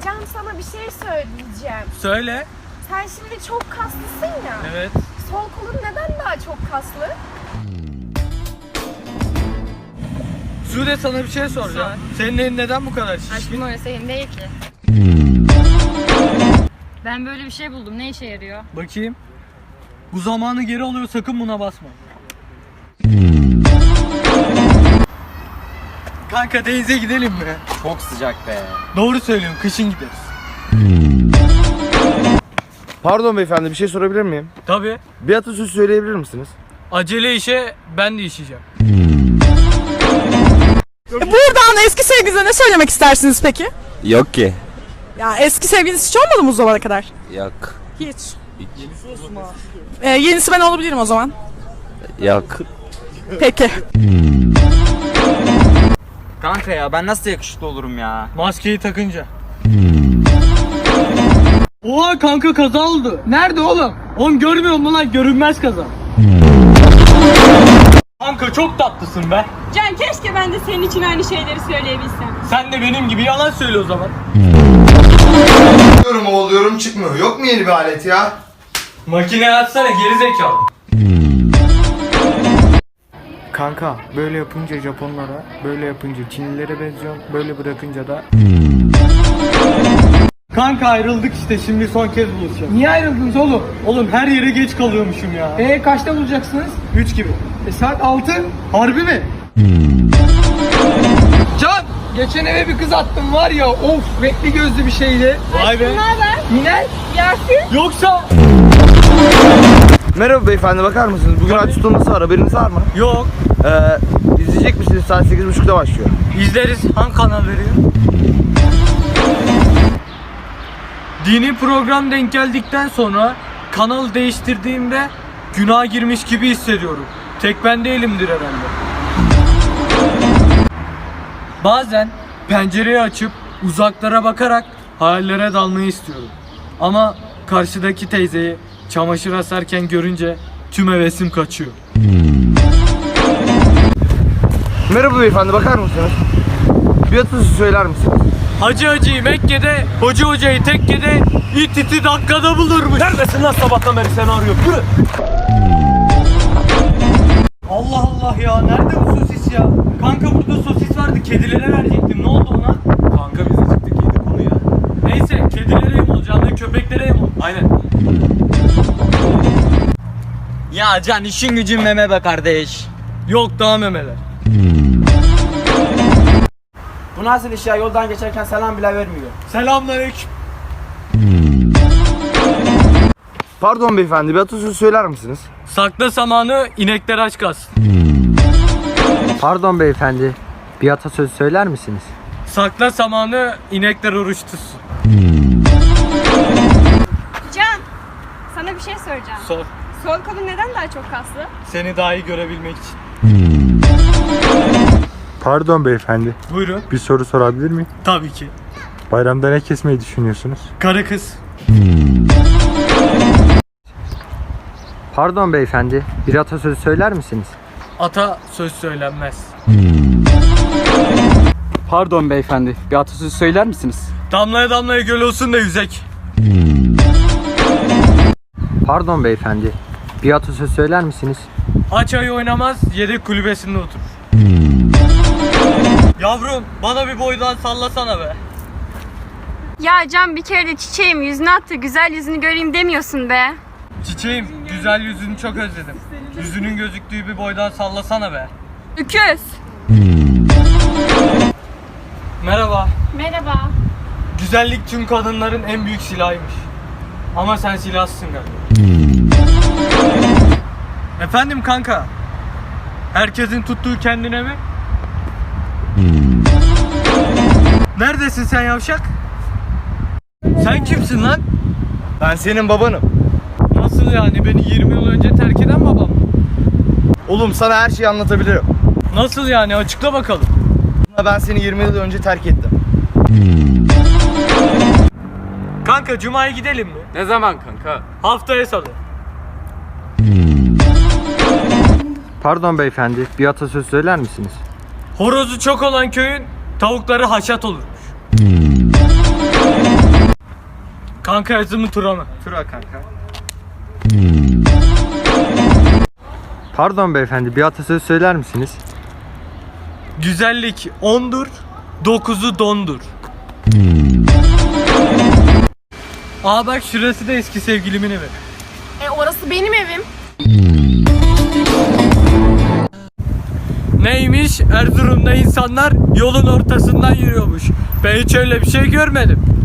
Can, sana bir şey söyleyeceğim. Söyle. Sen şimdi çok kaslısın ya. Evet. Sol kolun neden daha çok kaslı? Sude, sana bir şey soracağım. Senin elin neden bu kadar şişkin? Aşkım öyle senin değil ki. Ben böyle bir şey buldum. Ne işe yarıyor? Bakayım. Bu zamanı geri alıyor, sakın buna basma. Kanka denize gidelim mi? Çok sıcak be. Doğru söylüyorum, kışın gideriz. Pardon beyefendi, bir şey sorabilir miyim? Tabii. Bir atasözü söyleyebilir misiniz? Acele işe ben de işeceğim. Buradan eski sevgilinize ne söylemek istersiniz peki? Yok ki. Ya eski sevgiliniz hiç olmadı mı bu zamana kadar? Yok. Hiç. Yenisi ben olabilirim o zaman. Yok. Peki. Kanka ya ben nasıl yakışıklı olurum ya? Maskeyi takınca. Oha kanka, kaza oldu. Nerede oğlum? Oğlum görmüyor musun lan? Görünmez kaza. Kanka çok tatlısın be. Can, keşke ben de senin için aynı şeyleri söyleyebilsem. Sen de benim gibi yalan söyle o zaman. Oluyorum oluyorum çıkmıyor. Yok mu yeni bir alet ya? Makineye atsana geri zekalı. Kanka böyle yapınca Japonlara, böyle yapınca Çinlilere benziyorsun, böyle bırakınca da... Kanka ayrıldık işte, şimdi son kez buluşacağız. Niye ayrıldınız oğlum? Oğlum her yere geç kalıyormuşum ya. Kaçta bulacaksınız? 3 gibi. Saat 6. Harbi mi? Can! Geçen eve bir kız attım var ya, of, renkli gözlü bir şeydi. Vay be. Naber? Yine? Yasin? Yoksa? Merhaba beyefendi, bakar mısınız? Bugün aç tutulması var, haberiniz var mı? Yok. İzleyecek misiniz? Saat 8.30'da başlıyor. İzleriz. Hangi kanal veriyor? Dini program denk geldikten sonra kanal değiştirdiğimde günaha girmiş gibi hissediyorum. Tek ben değilimdir herhalde. Bazen pencereyi açıp uzaklara bakarak hayallere dalmayı istiyorum. Ama karşıdaki teyzeyi çamaşır asarken görünce tüm hevesim kaçıyor. Merhaba beyefendi, bakar mısınız? Bir atasözü söyler misiniz? Hacı hacıyı Mekke'de, hoca hocayı tekkede, it iti dakikada bulurmuş. Neredesin lan, sabahtan beri seni arıyor. Yürü. Allah Allah ya, nerede bu sosis ya? Kanka burada sosis vardı, kedilere verecektim. Ne oldu ona? Kanka biz acıktık, yedik onu ya. Neyse, kedilere yem olacağını, köpeklere yem ol. Aynen. Ya Can, işin gücün meme be kardeş. Yok daha memeler. Bu nasıl iş ya, yoldan geçerken selam bile vermiyor. Selamünaleyküm. Pardon beyefendi, bir atasözü söyler misiniz? Sakla samanı, inekler aç kalsın. Pardon beyefendi, bir atasözü söyler misiniz? Sakla samanı, inekler oruç tutsun. Can, sana bir şey soracağım. Sor. Sol kolun neden daha çok kaslı? Seni daha iyi görebilmek için. Pardon beyefendi, Buyurun. bir soru sorabilir miyim? Tabii ki. Bayramda ne kesmeyi düşünüyorsunuz? Karı kız. Pardon beyefendi, bir atasözü söyler misiniz? Ata söz söylenmez. Pardon beyefendi, bir atasözü söyler misiniz? Damlaya damlaya göl olsun da yüzek. Pardon beyefendi, bir atasözü söyler misiniz? Aç ayı oynamaz, yedek kulübesinde otur. Yavrum, bana bir boydan sallasana be. Ya Can, bir kere de çiçeğim yüzüne attı. Güzel yüzünü göreyim demiyorsun be. Çiçeğim, güzel yüzünü çok özledim. Yüzünün gözüktüğü bir boydan sallasana be. Öküz. Merhaba. Merhaba. Güzellik tüm kadınların en büyük silahıymış. Ama sen silahsın galiba. Efendim kanka. Herkesin tuttuğu kendine mi? Neredesin sen yavşak? Sen kimsin lan? Ben senin babanım. Nasıl yani, beni 20 yıl önce terk eden babam mı? Oğlum sana her şeyi anlatabilirim. Nasıl yani, açıkla bakalım. Ben seni 20 yıl önce terk ettim. Kanka Cuma'ya gidelim mi? Ne zaman kanka? Haftaya salı. Pardon beyefendi, bir atasözü söyler misiniz? Horozu çok olan köyün tavukları haşat olurmuş. Kanka yazı mı tura mı? Tura kanka. Pardon beyefendi, bir atasözü söyler misiniz? Güzellik 10'dur, 9'u dondur. Aa bak şurası da eski sevgilimin evi. Orası benim evim. Neymiş? Erzurum'da insanlar yolun ortasından yürüyormuş. Ben hiç öyle bir şey görmedim.